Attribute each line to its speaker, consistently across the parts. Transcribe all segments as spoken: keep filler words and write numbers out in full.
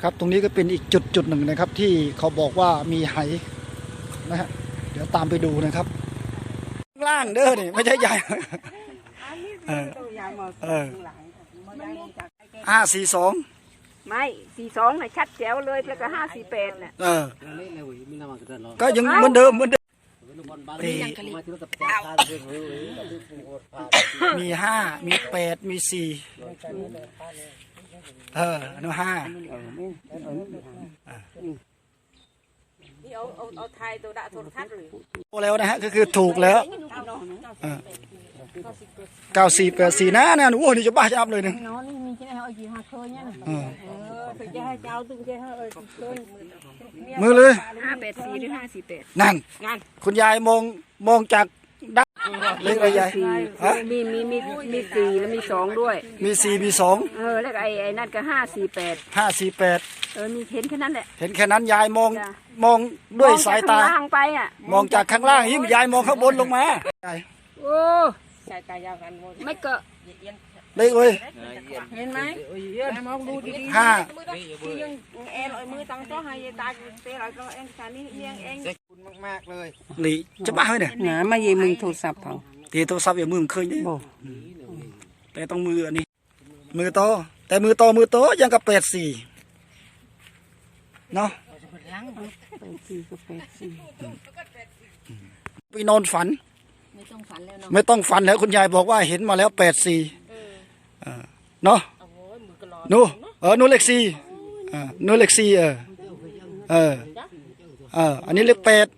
Speaker 1: ครับตรงนี้ก็เป็นอีกจุดจุดหนึ่งนะครับที่เขาบอกว่ามีไหนะฮะเดี๋ยวตามไปดูนะครับล่างเด้อนี่ไม่ใช่ใหญ่เออเออห้าสี่สอง
Speaker 2: ไม่สี่สองน่ะชัดแจ๋วเลยแล้วก็ห้าสี่แปดน่ะ
Speaker 1: เออก็ยังเหมือนเดิมเหมือนเดิมมีห้ามีแปดมีสี่เออnoห้า
Speaker 2: นี่เอาเอาเอาไทยตัวดะโทรทัศน์เลย
Speaker 1: โอ้แล้วนะฮะก็คือถูกแล้วเก้าสี่แปดสี่นะเนี่ยโอ้นี่จะบ้าจะอับเลยเนี่ย
Speaker 2: น้องนี่มีที่ไหนเอาจีฮาเคยเนี่ยเออถึงจะให้เจ้าตึงจะให้เออเคย
Speaker 1: มือเลย
Speaker 2: ห้าแปดสี่หรือห้าสี่แปด
Speaker 1: นั่นคุณยายมองมองจากด้านเล็กอะไรยาย
Speaker 2: มีมีมีมีสี่แล้วมีสองด้วย
Speaker 1: มีสี่มีสอง
Speaker 2: เออแล้วไอ้ไอ้นั่นก็ห้าสี่แปด
Speaker 1: ห้าสี่แปด
Speaker 2: เออมีเห็นแค่นั้นแหละ
Speaker 1: เห็นแค่นั้นยายมองมองด้วยสายตา
Speaker 2: มอง
Speaker 1: จากข้างล่างยิ่งยายมองข้างบนลงมา
Speaker 2: โอ้สายตายาวกันไม่เกาะ
Speaker 1: เล็กเลย
Speaker 2: เห็นไหมมองดูดีๆ
Speaker 1: ห้า
Speaker 2: ยังเอ็นมือตั้งโต๊ะให้ตาเตะเราก็เอ็นชานี่เอียงเอง
Speaker 3: คุณมากๆเลย
Speaker 1: หลีจะบ้าเลยเนี่ย
Speaker 2: หนามาเยี่ยมึงโทรศัพท์เขา
Speaker 1: ตีโทรศัพท์อย่ามือเคยเนี่ยแต่ต้องมืออันนี้มือโตแต่มือโตมือโตยังกับแปดสี่เนาะไปนอนฝัน
Speaker 2: ไม่ต้องฝันแล้วเนาะ
Speaker 1: ไม่ต้องฝันแล้วคุณยายบอกว่าเห็นมาแล้วแปดสี่เนาะนูเออนูเล็กสี่นูเล็กสี่เออเออเอออันนี้เลขแปด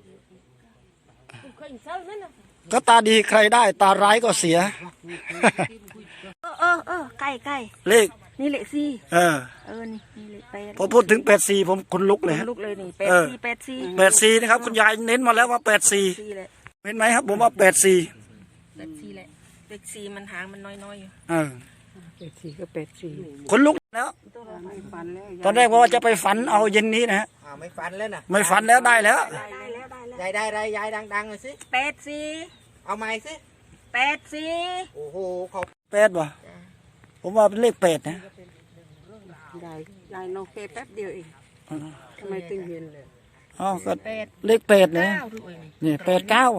Speaker 1: ก็ตาดีใครได้ตาร้ายก็เสีย
Speaker 2: เออเออเออใกล้ใกล้
Speaker 1: เลข
Speaker 2: นี่เลขสี่
Speaker 1: เออ
Speaker 2: เออนี่นี่เลขแปด
Speaker 1: พอพูดถึงแปดสี่ผมคนลุกเลย
Speaker 2: ลุกเลยนี่แปดสี่แปดสี่
Speaker 1: แปดสี่นะครับคุณยายเน้นมาแล้วว่าแปดสี่เห็นไหมครับผมว่าแปดสี่
Speaker 2: แปดสี่แหละแปดสี่มันหางมันน้อยๆอยู่
Speaker 1: เออ
Speaker 2: แปดสี่ก็แปดสี่
Speaker 1: คนลุกแล้วตอนแรกว่าจะไปฝันเอาเย็นนี้นะฮะ
Speaker 3: ไม่ฝันแล้วนะ
Speaker 1: ไม่ฝันแล้วได้แล้ว
Speaker 3: ยายได้ไรยายดังๆเลยสิ
Speaker 2: แปดสี่
Speaker 3: เอาไม้สิ
Speaker 2: แปดสี่
Speaker 3: โอ้โหเขา
Speaker 1: แปดวะผมว่าเป็นเลขแปดนะ
Speaker 2: ยายยายน้องแค่แป๊บเดียวเองทำไมตึงเย็นเลย
Speaker 1: อ๋อก็เลขแปดเนี่ยนี่แปดเก้า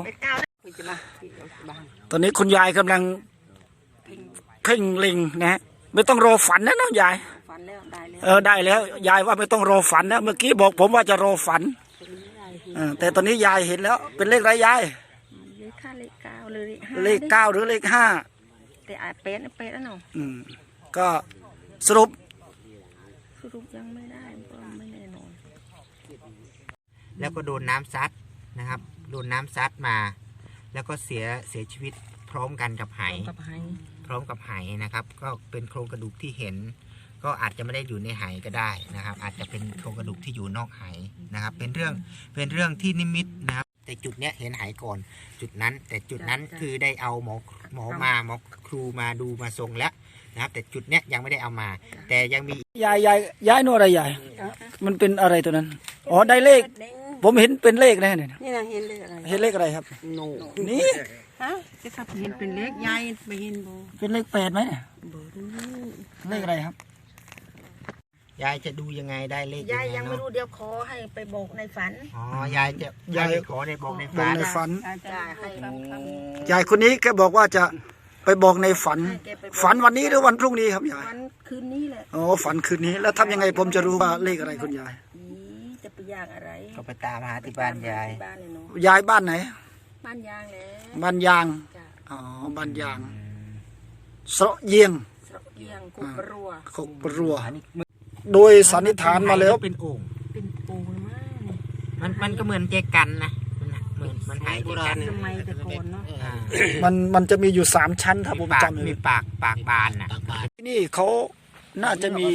Speaker 1: ตอนนี้คุณยายกำลังเพ่งเล็งนะฮะไม่ต้องรอฝันนะน้องยายเออได้แล้วยายว่าไม่ต้องรอฝันนะเมื่อกี้บอกผมว่าจะรอฝันแต่ตอนนี้ยายเห็นแล้วเป็นเลขอะไรยาย
Speaker 2: เลขห้าเลขเก้าหรือ
Speaker 1: เลขเก้าหรือเลขห้า
Speaker 2: แต่อาจเป็นเป็นแล้วเนาะ
Speaker 1: อืมก็สรุป
Speaker 2: สรุปยังไม่ได้ไม่แน่นอน
Speaker 3: แล้วก็โดนน้ำซัดนะครับโดนน้ำซัดมาแล้วก็เสียเสียชีวิตพร้อมกันกับไหพร้อมกับไหนะครับก็เป็นโครงกระดูกที่เห็นก็อาจจะไม่ได้อยู่ในไหก็ได้นะครับอาจจะเป็นโครงกระดูกที่อยู่นอกไหนะครับเป็นเรื่องเป็นเรื่องที่นิมิตนะครับแต่จุดเนี้ยเห็นไหก่อนจุดนั้นแต่จุดนั้นคือได้เอาหมอหมอมาหมอครูมาดูมาทรงแล้วนะครับแต่จุดเนี้ยยังไม่ได้เอามาแต่ยังมี
Speaker 1: ยายยายยายนู่นอะไรยายมันเป็นอะไรตัวนั้นอ๋อได้เลขผมเห็นเป็นเลขแน่เนี่ย
Speaker 2: นี่นะเห็นเลขอะไร
Speaker 1: เห็นเลขอะไรครับนี่
Speaker 2: ฮะจะทับเห็นเป็นเลขยายไม่เห็นโบ
Speaker 1: เป็นเลขแปดไหมเลขอะไรครับ
Speaker 3: ยายจะดูยังไงได้เลข
Speaker 2: ยายยังไม่รู้เดี๋ยวขอให้ไปบอกในฝัน
Speaker 3: อ๋อยายจะยายขอในบอกในฝัน
Speaker 1: ในฝันยายคนนี้แกบอกว่าจะไปบอกในฝันฝันวันนี้หรือวันพรุ่งนี้ครับยาย
Speaker 2: ฝันคืนนี้แหละ
Speaker 1: อ๋อฝันคืนนี้แล้วทำยังไงผมจะรู้ว่าเลขอะไรคุณยาย
Speaker 2: จะไปยากอะไร
Speaker 3: ก็ไปตามหาที่บ้านยาย
Speaker 1: ยายบ้านไหน
Speaker 2: บ้านยางเลย
Speaker 1: บ้านยางอ๋อบ้านยางสระเยียง
Speaker 2: สระเยียงกุบรัว
Speaker 1: กุบรัวโดยสันนิษฐานมาแล้ว
Speaker 3: เป็นโอ่ง
Speaker 2: เป็นโอ่งมาก
Speaker 3: มันมันก็เหมือนเจกันนะเหมือนมันหายเจกัน
Speaker 2: ทำไมตะโกนเนาะ
Speaker 1: มันมันจะมีอยู่สามชั้นครับผมจำ
Speaker 3: มีปากปากบานนะ
Speaker 1: ที่นี่เขาน่าจะมี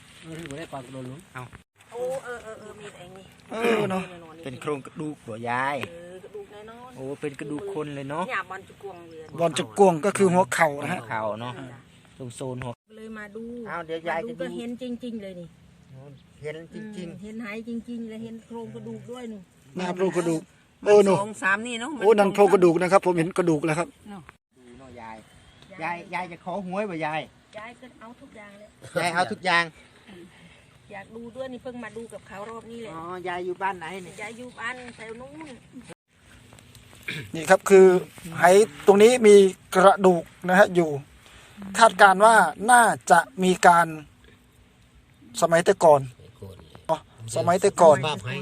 Speaker 2: โอ้เออเออเออมีไอ้นี่
Speaker 1: เออเนาะ
Speaker 3: เป็นโครงกระดูกหัวยายโอ้เป็นกระดูกคนเลยเนาะ
Speaker 2: บอลจุกวง
Speaker 1: บอลจุกวงก็คือหัวเข่านะฮะ
Speaker 3: เข่าเนาะตรงโซนหัว
Speaker 2: เลยมาดู
Speaker 3: เอาเดี๋ยวยายจะ
Speaker 2: ก็เห็นจริงๆเลยนี่
Speaker 3: เห็นจริง
Speaker 2: ๆเห็นหายจริงๆเลยเห็นโครงกระดูกด้วยนู่น
Speaker 1: หน้าโครงกระดูกโอ้หนู
Speaker 2: สองสามนี่เนาะ
Speaker 1: โอ้นั่นโครงกระดูกนะครับผมเห็นกระดูกแล้วครับ
Speaker 3: ดูเนาะยายยายยายจะขอหวยป่ะยาย
Speaker 2: ยายก็เอาทุกอย่างเลย
Speaker 3: ยายเอาทุกอย่าง
Speaker 4: อยากดูด้วยนี่เพิ่งมาดูกับเขารอบนี้เลย
Speaker 2: อ๋อยายอยู่บ้านไหนเนี่ย
Speaker 4: ยายอยู่บ้านแถวนู้น
Speaker 1: นี่ครับคือไหตรงนี้มีกระดูกนะฮะอยู่ คาดการณ์ว่าน่าจะมีการสมัยแต่ก่อนอ๋อสมัยแต่ก่อน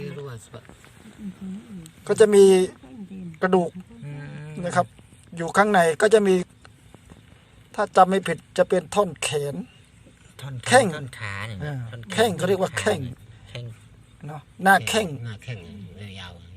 Speaker 1: ก็จะมีกระดูกนะครับ อยู่ข้างในก็จะมี ถ้าจำไม่ผิดจะเป็นท่อนแขน
Speaker 3: ท่อน
Speaker 1: แข้ง
Speaker 3: ท่อนขาเนี่ย
Speaker 1: อ่า
Speaker 3: ท่อน
Speaker 1: แข้งเขาเรียกว่าแข้ง
Speaker 3: แข้ง
Speaker 1: เนาะหน้าแข้ง
Speaker 5: หน้าแข้งยาว